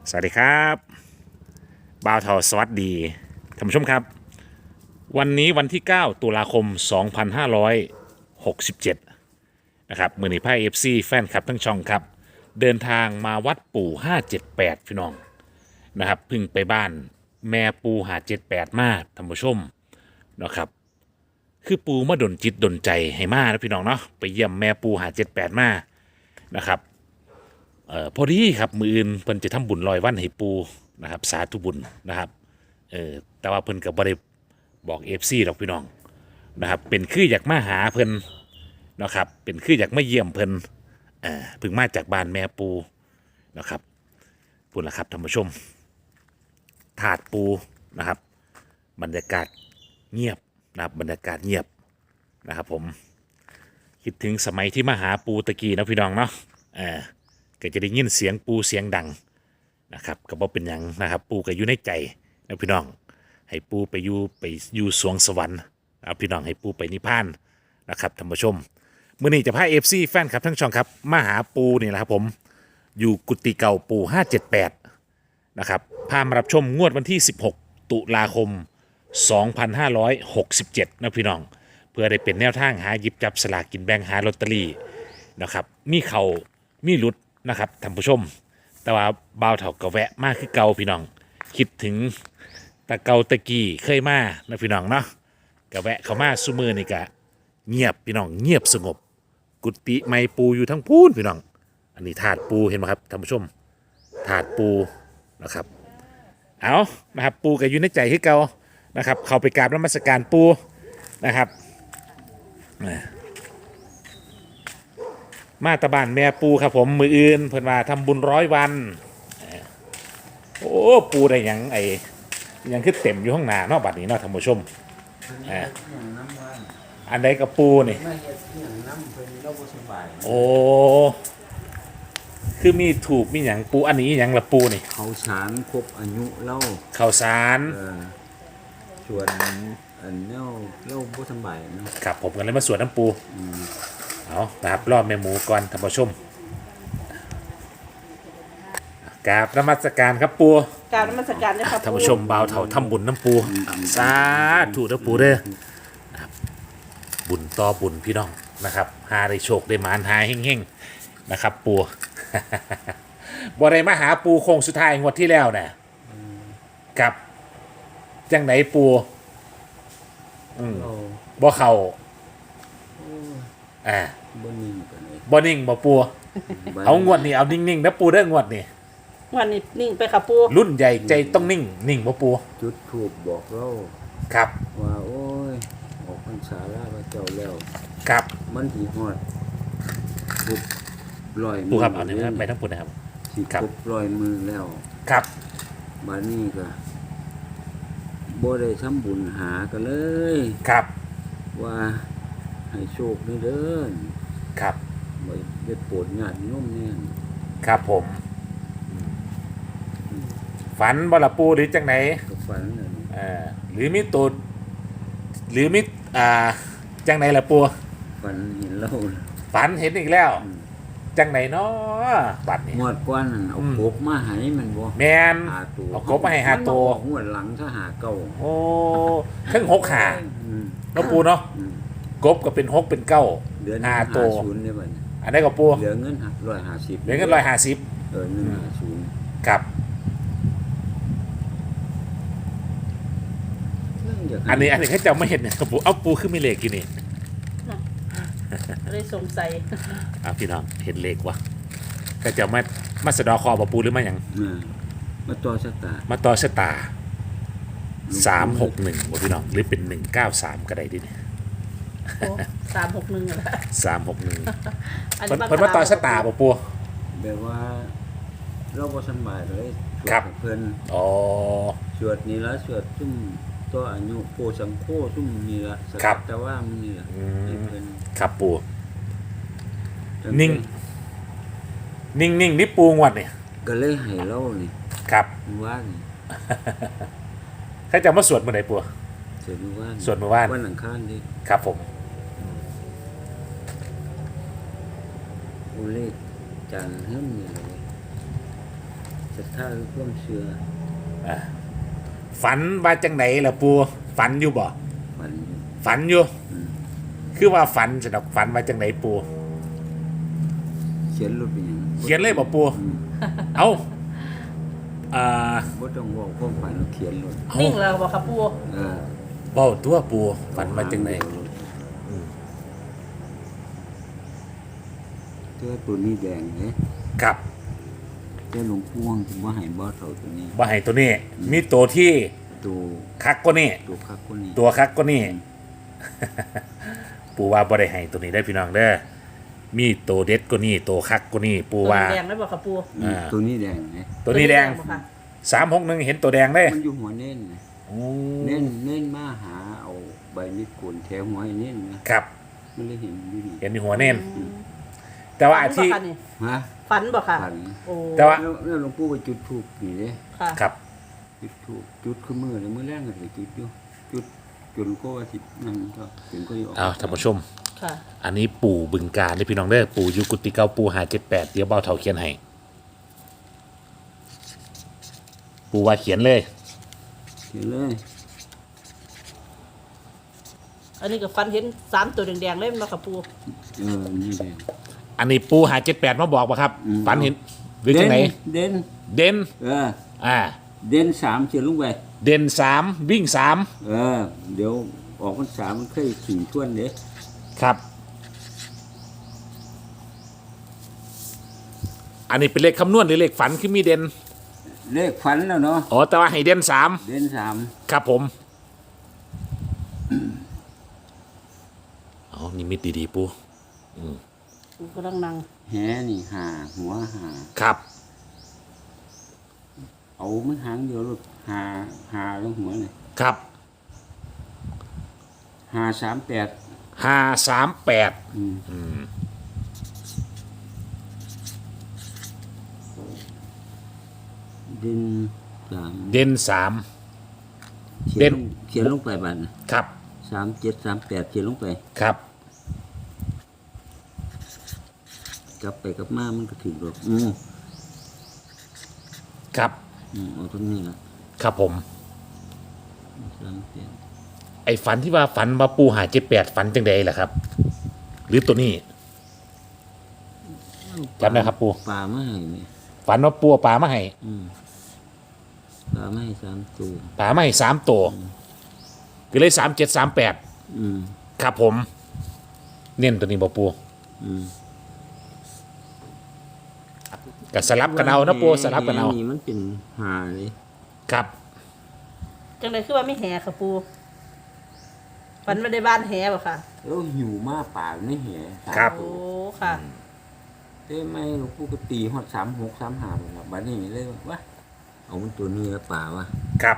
สวัสดีครับบ่าวเทาสวัสดีท่านผู้ชมครับวันนี้วันที่9ตุลาคม2567นะครับมือนีไพ่เอฟซีแฟนคลับทั้งช่องครับเดินทางมาวัดปู่578พี่น้องนะครับเพึ่งไปบ้านแม่ปู่578มาท่านผู้ชมนะครับคือปู่มาดลจิตดลใจให้มานะพี่น้องเนาะไปเยี่ยมแม่ปู่578มานะครับ พอดีครับมืออื่นเพิ่นจะทำบุญลอยวันให้ปูนะครับสาธุบุญนะครับแต่ว่าเพิ่นกับ่ได้บอกเอฟซีดอกพี่น้องนะครับเป็นคืออยากมาหาเพิ่นนะครับเป็นคืออยากมาเยี่ยมเพิ่นเพิ่งมาจากบ้านแม่ปูนะครับปุ่นละครับท่านผู้ชมถาดปูนะครับบรรยากาศเงียบนะครับบรรยากาศเงียบนะครับผมคิดถึงสมัยที่มาหาปูตะกี้นะพี่น้องเนาะก็จะได้ยินเสียงปูเสียงดังนะครับก็บ่เป็นหยังนะครับปูก็อยู่ในใจนะพี่น้องให้ปูไปอยู่สวงสวรรค์เอาพี่น้องให้ปูไปนิพพานนะครับท่านผู้ชมมื้อนี้จะพา FC แฟนครับทั้งช่องครับมาหาปูนี่แหละครับผมอยู่กุฏิเก่าปู578นะครับพามารับชมงวดวันที่16ตุลาคม2567นะพี่น้องเพื่อได้เป็นแนวทางหาหยิบจับสลากกินแบ่งหาลอตเตอรี่นะครับมีเขามีหลุดนะครับท่านผู้ชมแต่ว่าบ่าวเถากะแวะมากคือเก่าพี่น้องคิดถึงตะเกาตะกี้เคยมานะพี่น้องเนาะกะแวะเข้ามาซุมือนี่กะเงียบพี่น้องเงียบสงบกุฏิไม้ปูอยู่ทั้งพูนพี่น้องอันนี้ถาดปูเห็นไหมครับท่านผู้ชมถาดปูนะครับเอานะครับปูก็อยู่ในใจคือเก่านะครับเข้าไปกราบนมัสการปูนะครับมาตะบานแม่ปูครับผมมืออื่นเพิ่นว่าทำบุญ100 วันโอ้ปูได้หยังไอ้ยังคือเต็มอยู่ข้างหน้าเนาะบัดนี้เนาะท่านผู้ชมอันใดกับปูนี่โอ้คือมีถูกมีหยังปูอันนี้หยังละปูนี่เขาสารครบอายุเล่าข้าวสารชวนอันเล่าบ่สบายเนาะครับผมกันเลยมาสวดน้ำปูเอานะครับรอบแม่หมูก่อนท่านผู้ชมกราบนมัสการครับปูกราบนมัสการนะครับท่านผู้ชมบ่าวเถาทำบุญน้ำปูสาธุนะปูเด้อนะครับบุญต่อบุญพี่น้องนะครับหาได้โชคได้หมานหาเฮ่งๆนะครับปูบ่ได้มาหาปูโค้งสุดท้ายงวดที่แล้วเนี่ยกับจังไหนปูบ่เข่าบ่นิ่งกันเลยบ่นิ่งบ่ปูเอางวดนี้เอานิ่งๆนะปูเด้องวดนี้วันนี้นิ่งไปค่ะปูรุ่นใหญ่ใจต้องนิ่งนิ่งบ่ปูจุดถูกบอกเราครับว่าโอ้ยออกพรรษาลาพระเจ้าแล้วครับมันสิฮอดครบ100 ปูครับเอาเนี่ยไปทั้งปูนะครับสิครบ100 มื้อแล้วครับบัดนี้ก็บ่ได้ทำบุญหากันเลยครับว่าให้โชคนี่เด้อครับบ่ได้โปรดญาติโยมเนี่ยครับผมฝันบ่ล่ะปูหรือจังไหนก็ฝันนั่นหรือมีตูดหรือมีจังไหนล่ะปูฝันเห็นเราฝันเห็นอีกแล้วจังไหนเนาะบัดนี้งวดก่อนนั่นเอากบมาให้มันบ่แม่นเอากบมาให้5 ตัวงวดหลังถ้าหาเก่าโอ้ทั้ง6 หาเนาะปูเนาะกบก็เป็น6เป็น9 5 ตัวอันนี้ก็ปูเหลือเงิน150 เหลือเงิน150 150 ครับอันนี้เขาจะไม่เห็นเนี่ยปูเอาปูขึ้นมีเลขกี่นี่เลยสงสัยพี่น้องเห็นเลขวะก็จะมาสะดอคอบ่ปูหรือมาอย่างมาต่อชะตา361บ่พี่น้องหรือเป็น193ก็ได้ดิเนี่ย 361อะไร 361เพิ่นมาต่อชะตาบ่ปูแบบว่าเราบ่สบายเลยครับเพิ่นอ๋อสวดนี่ละสวดซุ่มตัวอายุโพสังโฆซุ่มนี่ละสักแต่ว่ามันนี่ละครับปูนิ่งนี่ปูงวดนี่ก็เลยให้เรานี่ครับว่านี่เขาจะมาสวดเมื่อไหร่ปูสวดเมื่อวานวันอังคารดิครับผมโอเลจันทร์เฮิ่มนี่เลยศรัทธาคือความเชื่อฝันว่าจังไหนล่ะปูฝันอยู่บ่มันฝันอยู่คือว่าฝันสนอกฝันว่าจังไหนปูเขียนรถเป็นหยังเขียนเลยบ่ปูเอาอ่าบ่ต้องเว้าความฝันเขียนรถเอานิ่งแล้วบอกค่ะปูเออเบ้าตัวปูฝันว่าจังไหนเจ้าตัวนี้แดงเด้ครับเจ้าหลวงพ่วงบ่ให้บ่เท่าตัวนี้บ่ให้ตัวนี้ มีตัวที่ตัวคักก็นี่ตัวคักกว่านี้ตัวคักก็นี่ ปูว่าบ่ได้ให้ตัวนี้ได้อพี่น้องเด้อมีตัวเด็ดก็นี่ตัวคักก็นี่ปูว่าแดงได้บอกค่ะปูตัวนี้แดงเด้ตัวนี้แดงบ่ค่ะ 361เห็นตัวแดงได้มันอยู่หัวเน้นนะโอ้เน้นมาหาเอาใบมีดโกนแถวหัวให้เน้นนะครับ มันเลยเห็นอยู่นี่เห็นในหัวเน่นแต่ว่าที่ฝันบ่คะนี่ฮะฝันบอกค่ะฝันโอ้แต่ว่าแล้วหลวงปู่ก็จุดธูปนี่เด้ค่ะครับจุดธูปจุดคือมือเลยมือแรกก็สิจุดอยู่จุดจนก็ว่าสินั่นก็จนก็อยู่เอาท่านผู้ชมค่ะอันนี้ปู่บึงการเลยพี่น้องเด้อปู่อยุกุติเก้าปู่578เดี๋ยวเบาเถาเขียนให้ปู่ว่าเขียนเลยเห็นเลยอันนี้ก็ฝันเห็น3ตัวแดงๆเลยบอกค่ะปูนี่แดงอันนี้ปู่578มาบอกป่ะครับอืมฝันเห็นหรือจังไหนเด่นเด่นอ่าเด่น3เสียลงไปเด่น3วิ่ง3 เดี๋ยวออกพรรษามันเคยขิงทวนเด้ครับ อันนี้เป็นเลขคำนวณหรือเลขฝันคือมีเด่นเลขฝันแล้วเนาะอ๋อแต่ว่าให้เด่น3 เด่นครับผมเอานิมิตดีๆปู่ปูกำลังนั่ง 3แหนี่หาหัวหาครับเอามันหางเดียวลูกหาแล้วหัวนี่ครับ 538 538 เด่น3 เด่น3 เด่นเขียนลงไปบัดนะครับ 3738เขียนลงไปครับกลับไปกลับมามันก็ถึงดอกครับเอาตรงนี้ละครับผม 38 ไอ้ฝันที่ว่าฝันว่าปู578ฝันจังใดล่ะครับ หรือตัวนี้จำได้ครับปูปลาไม่ให้นี่ฝันว่าปูเอาปลามาให้ปลาไม่ให้3ตัวปลามาให้3ตัวก็เลย3738ครับผม เน้นตัวนี้บ่ปูก็สลับกันเอานะปูสลับกันเอานี่มันเป็นหาเลยครับจังเลยคือว่าไม่แห่ค่ะปูฝันว่าได้บ้านแห่บ่ค่ะแล้วหิวมากป่าไม่เหี้ยครับโอ้ค่ะได้ไหมหลวงปู่ก็ตีฮอด36 35พุ่นล่ะบัดนี้เลยว่าเอามันตัวนี้ละป่าวะครับ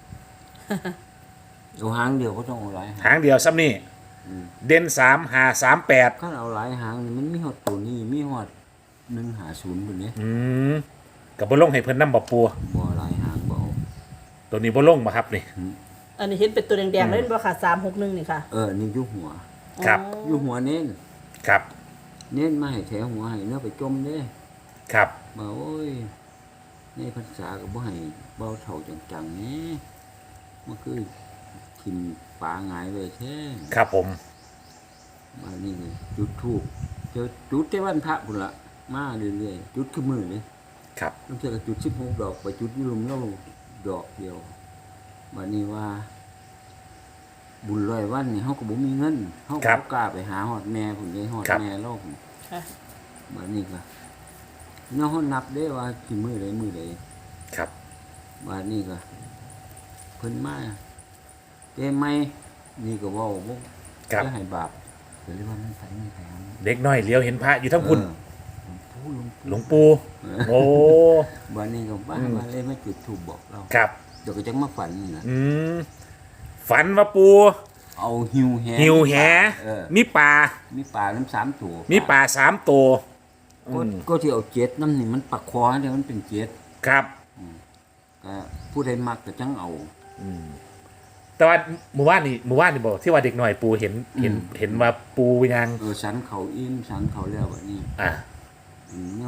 เอาหางเดียวก็ต้องเอาหลายหางหางเดียวซ้ำนี่เด่น3538 ถ้าเอาหลายหางนี่มันมีฮอดตัวนี้มีฮอด150พุ่นนี้กับบ่ลงให้เพิ่นนำบ่ปูบ่หลายหางบ่เอาตัวนี้บ่ลงบ่ครับนี่อันนี้เห็นเป็นตัวแดงๆเลยบ่ค่ะ361นี่ค่ะนี่อยู่หัวครับอยู่หัวเน้นครับเน้นมาให้แถวหัวให้เนื้อไปจมเด้ครับมาโอ้ยในพรรษาก็บ่ให้เบาเท่าจังๆนี่มันคือทิ่มปลาหงายไว้แท้ครับผมมานี่เลยจุดธูปเจอจุดแต่วันพระพุ่นละมาเรื่อยๆจุดคือมือเลยครับต้องเจอกับจุด16ดอกไปจุดอยุ่ลุมเล่าดอกเดียวบัดนี้ว่า บุญ100วันนี่เฮาก็บ่มีเงินเฮาก็บ่กล้าไปหาฮอดแม่พุ่นเลยฮอดแม่เราพุ่นค่ะบัดนี้ก็เนาะเฮานับได้ว่ากี่มื้อใดมื้อใดครับบัดนี้ก็เพิ่นมาแต่ไม่นี่ก็เว้าบ่ครับจะให้บาปก็เลยว่ามันไปไม่ไปเด็กน้อยเลี้ยวเห็นพระอยู่ทั้งคุณหลวงปู่หลวงปู่โอ้บัดนี้ก็บ้ามาเลยมาจุดธูปบอกเราครับเดี๋ยวก็จังมาฝันนี่ล่ะฝันว่าปูเอาหิวแหหิวแห มีปลามีปลาน้ำ3ตัวมีปลา3ตัวก็ที่เอา7น้ำนี่มันปักคอให้ได้มันเป็น7 ครับก็ผู้ใดมักก็จังเอาแต่ว่าเมื่อวานนี่บอกที่ว่าเด็กหน่อยปูเห็นว่าปูยังสันเขาอิ่มสันเขาแล้วบัดนี้อ่าเนาะพ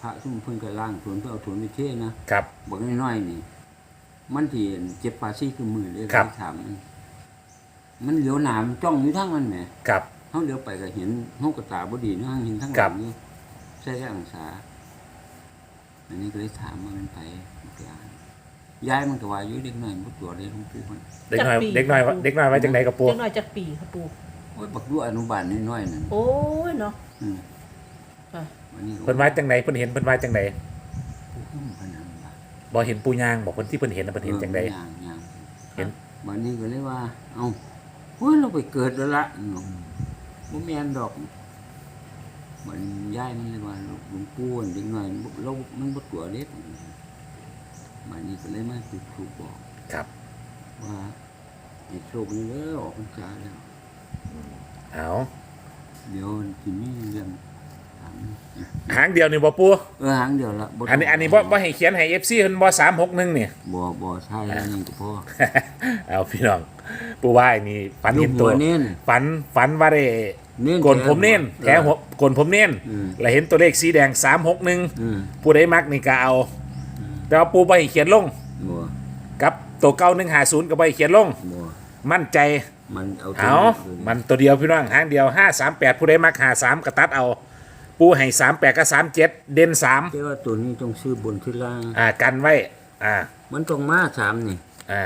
ระซุ่มเพิ่นก็ล้างถวนเพื่อเอาถวนไปเทนะครับ บอกน้อยๆนี่ มันที่เจ็บปาซี่คือมือเลยครับถามมันเหลียวหนามจ้องอยู่ทั้งมันแหมครับเฮาเหลียวไปก็เห็นเฮาก็ตาบ่ดีเนาะเห็นทั้งหครัลับงนี่ใช่องศาอันนี้ก็เลยถามว่ามันไปยายมันก็ว่าอยู่เด็กน้อยบ่ตัวเลยหลวงปู่มันเด็กน้อยเด็กน้อยเด็กน้อยไว้จังไหนกับปูเด็กน้อยจักปีค่ะปูโอ้ยบักอยู่อนุบาลน้อยๆนั่นโอ้ยเนาะอืมค่ะวันนี้ก็เพิ่นไว้จังไหนเพิ่นเห็นเพิ่นไว้จังไหนผู้ขึ้นพนันบาบ่เห็นปูยางบอกเพิ่นที่เพิ่นเห็นน่ะเพิ่นเห็นจังไดย่างเห็นวันนี้ก็เลยว่า เอ้าเฮ้ยเราไปเกิดแล้วละเนาะบ่แม่นดอกมันย้ายมันเลยว่าหลวงปู่อันเด็กน้อยเรามันบ่ตัวเล็กวันนี้ก็เลยมาจุดธูปบอกครับว่าให้โชคนี้เด้อออกพรรษาแล้วเอาเดี๋ยวสิมีเรื่องถามหางเดียวนี่บ่ปูหางเดียวละอันนี้บ่ให้เขียนให้ FC เพิ่นบ่361นี่บ่ใช่แล้วนี่ก็พอเอาพี่น้องปูว่าอันนี้ฝันเห็นตัวลูกหัวเน้นฝันว่าได้เน้นโกนผมเน้นแถวหัวโกนผมเน้นอืมแล้วเห็นตัวเลขสีแดงอืม 361ผู้ใดมักนี่ก็เอา แต่ว่าปูบ่ให้เขียนลงบ่กับตัวเก่า150ก็บ่ให้เขียนลงบ่มั่นใจมันเอาเอา มันตัวเดียวพี่น้องหางเดียว538ผู้ใดมัก53ก็ตัดเอา ปูให้38กับ37เด่นแต่ว่าตัวนี้ต้องซื้อบนที่ล่าง 3กันไว้มันต้องมา3นี่อ่า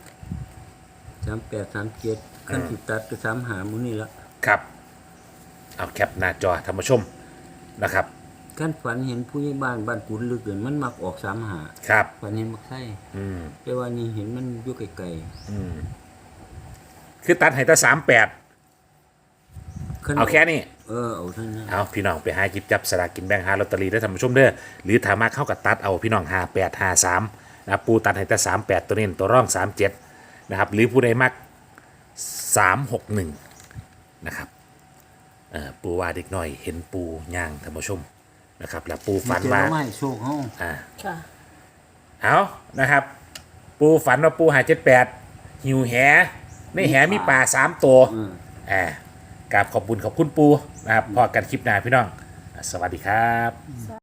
38 37ขั้นสิตัดก็3หามื้อนี้ละครับเอาแคปหน้าจอท่านผู้ชมนะครับขั้นฝันเห็นผู้ใหญ่บ้านบ้านกุนลึกเกินมันมักออก3หาครับฝันเห็นมักไส้อืมแต่ว่านี่เห็นมันอยู่ไกลคือตัดให้แต่38 ๆขั้นเอาแค่นี้เอาเท่านั้นเอาพี่น้องไปหาหยิบจับสลากกินแบ่งหาลอตเตอรี่ได้ท่านผู้ชมเด้อหรือถามาเข้ากับตัดเอาพี่น้อง5853นะปูตัดให้แต่38ตัวนี้ตัวร่อง37นะครับหรือผู้ใดมัก361นะครับปูว่าเด็กน้อยเห็นปูย่างท่านผู้ชมนะครับแล้วปูฝันว่าเจ้ไม่โชคเฮาค่ะเอานะครับ ปูฝันว่าปูหา78หิวแหในแหมีปลา3ตัวกราบขอบคุณปูนะครับพอกันคลิปหน้าพี่น้องสวัสดีครับ